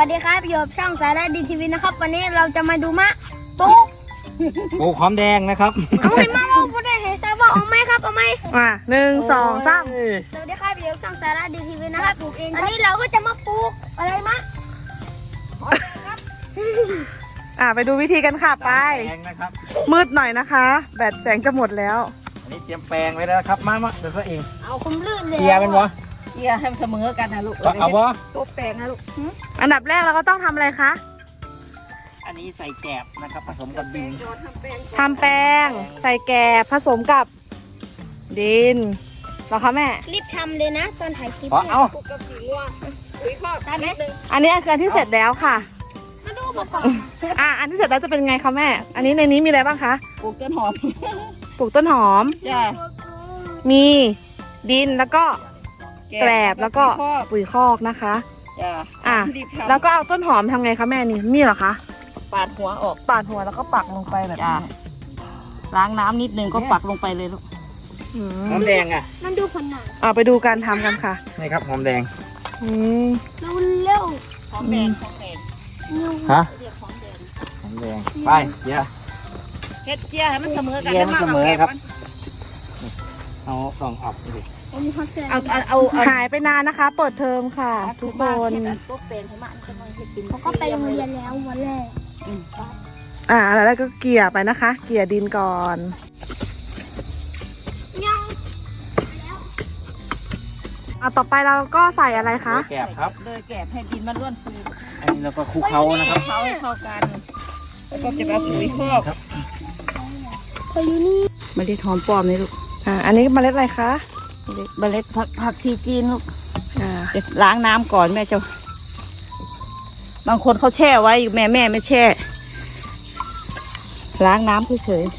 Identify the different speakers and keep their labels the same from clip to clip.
Speaker 1: วัสดีครับอยู่กับช่องสายและดีทีวีนะครับวันนี้เราจะมาดูมะปลูก
Speaker 2: หอมแดงนะครับ
Speaker 1: เอาให้มาพูดได้เห็นซะว่าเอาไหมครับเอาไหม
Speaker 3: 1 2 3
Speaker 1: สวัสดีครับอยู่กับช่องสายและดีทีวีนะครับปลูกเองอันนี้เราก็จะมาปลูกอะไรมะ
Speaker 3: ไปดูวิธีกันค่ะไป
Speaker 2: แปลงนะครับ
Speaker 3: มืดหน่อยนะคะ แบตแสงจะหมดแล้ว
Speaker 2: อันนี้เตรียมแปลงไว้แล้วนะครับมาเดี๋ยวก็เอง
Speaker 1: เอาคุมลื่นเลย
Speaker 2: เกียร์เป็นวะ
Speaker 4: เกียร์ให้มันเสมอกันนะลูก
Speaker 2: เอาวะ
Speaker 4: ตัวแปลงนะลูก
Speaker 3: อันดับแรกเราก็ต้องทำอะไรคะ
Speaker 2: อันนี้ใส่แกบนะครับผสมกับดิน
Speaker 3: ทำแป้งใส่แกบผสมกับดินเหรอคะแม่
Speaker 1: รีบทำเลยนะตอนถ่ายคลิป
Speaker 2: เอา
Speaker 4: ปลูกกับสีงัวปุ๋ยคอก
Speaker 1: ได้ไหม
Speaker 3: อันนี้คืออันที่เสร็จแล้วค่ะ
Speaker 1: มาดูประกอบ
Speaker 3: อันที่เสร็จแล้วจะเป็นไงคะแม่ อันนี้ในนี้มีอะไรบ้างคะ
Speaker 4: ปลูกต้นหอม
Speaker 3: ปลูกต้นหอม
Speaker 4: จ้า
Speaker 3: มีดินแล้วก็แกลบแล้วก็
Speaker 4: ปุ๋ยคอก
Speaker 3: ปุ๋ยคอกนะคะ
Speaker 4: จ้า
Speaker 3: อ่ะ
Speaker 4: รีบทำ
Speaker 3: แล้วก็เอาต้นหอมทำไงคะแม่นี่เหรอคะ
Speaker 4: ปาดหัวออก
Speaker 3: ปาดหัวแล้วก็ปักลงไปแบบ
Speaker 4: จ้า
Speaker 3: นี้
Speaker 4: ล้างน้ำนิดนึงก็ปักลงไปเลยลูก
Speaker 3: อื
Speaker 2: หอ
Speaker 3: ม
Speaker 2: มแดงอ่ะ
Speaker 1: นั่นดูผลหนัง
Speaker 3: เอาไปดูการทำกันค่ะ
Speaker 2: นี่ครับหอมแดง
Speaker 3: อืม
Speaker 1: เร็ว
Speaker 4: หอมแดงหอมแดง
Speaker 2: ฮะ
Speaker 4: เรียกหอมแดง
Speaker 2: หอมแดงไปเกียร์
Speaker 4: เฮ็ดเกียร์ให้มันเสมอกัน
Speaker 2: เกียร์มันเสมอครับ
Speaker 4: แล้ว
Speaker 2: เอาลองออกดิ
Speaker 4: เอา
Speaker 3: หายไปนานนะคะ เปิดเทอมค่ะ ทุกคน
Speaker 4: ตัวแปลงให้มันจะมาให้กิน
Speaker 1: เขาก็ไปโรงเรียนแล้ววันแรก
Speaker 3: แล้วก็เกลี่ยไปนะคะ เกลี่ยดินก่อน
Speaker 1: ยัง
Speaker 3: ต่อไปเราก็ใส่อะไรคะ
Speaker 2: แกบครับ
Speaker 4: เลยแกบให้ดินมันร่วนซู
Speaker 2: อันนี้เราก็คลุกเคล้านะครับ
Speaker 4: เขาให้เข้ากัน แล้วก็จะเอาปุ๋ยคอก
Speaker 1: พออยู่นี่
Speaker 4: ไม่ได้หอมปลอมเลยลูก
Speaker 3: อันนี้เมล็ดอะไรคะ
Speaker 4: เมล็ดผักชีจีนลูก
Speaker 3: อ่า
Speaker 4: จะล้างน้ำก่อนแม่จะบางคนเขาแช่ไว้แม่ไม่แช่ ล้างน้ำเฉย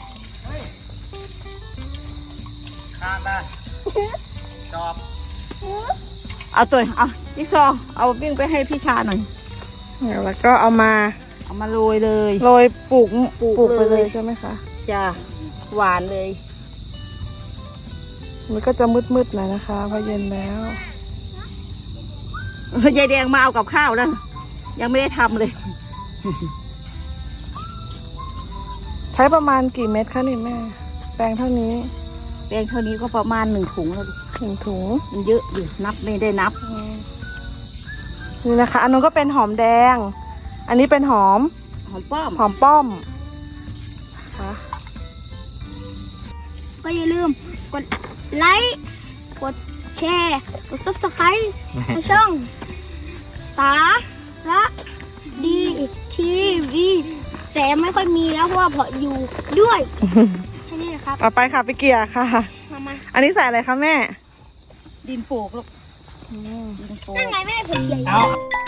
Speaker 2: ข้ามมาจอบ
Speaker 4: ๆเอาจิ๊กซอว์เอาวิ่งไปให้พี่ชาหน่อย
Speaker 3: แล้วก็เอามา
Speaker 4: เอามาโรยเลย
Speaker 3: โรยปลูก
Speaker 4: ปลูก
Speaker 3: ไปเล
Speaker 4: เลย ย
Speaker 3: ใช่ไหมคะ
Speaker 4: จ้าหวานเลย
Speaker 3: มันก็จะมืดๆหน่อยนะคะเพราะเย็นแล้ว
Speaker 4: ยายแดงมาเอากับข้าวแล้วยังไม่ได้ทำเลย
Speaker 3: ใช้ประมาณกี่เม็ดคะนี่แม่ แปลงเท่านี้
Speaker 4: แปลงเท่านี้ก็ประมาณ1 ถุงแล้วลูก
Speaker 3: 1 ถุง
Speaker 4: มันเยอะอยู่นับไม่ได้นับ
Speaker 3: นี่นะคะ อันนู้นก็เป็นหอมแดง อันนี้เป็นหอม
Speaker 4: หอมป้อม
Speaker 3: หอมป้อมนะคะ
Speaker 1: ก็อย่าลืมกดไลค์กดแชร์กด subscribe ในช่องสาระดีทีวีแต่ไม่ค่อยมีแล้วเพราะว่าพออยู่ด้วยแค่นี้นะครับ
Speaker 3: เอาไปค่ะไปเกลี่ยค่ะ
Speaker 1: มา
Speaker 3: อันนี้ใส่อะไรคะแม่
Speaker 4: ดินปลูกลูกดินปลูก
Speaker 1: นั่นไงไม่ได้ผลใหญ่
Speaker 2: เอา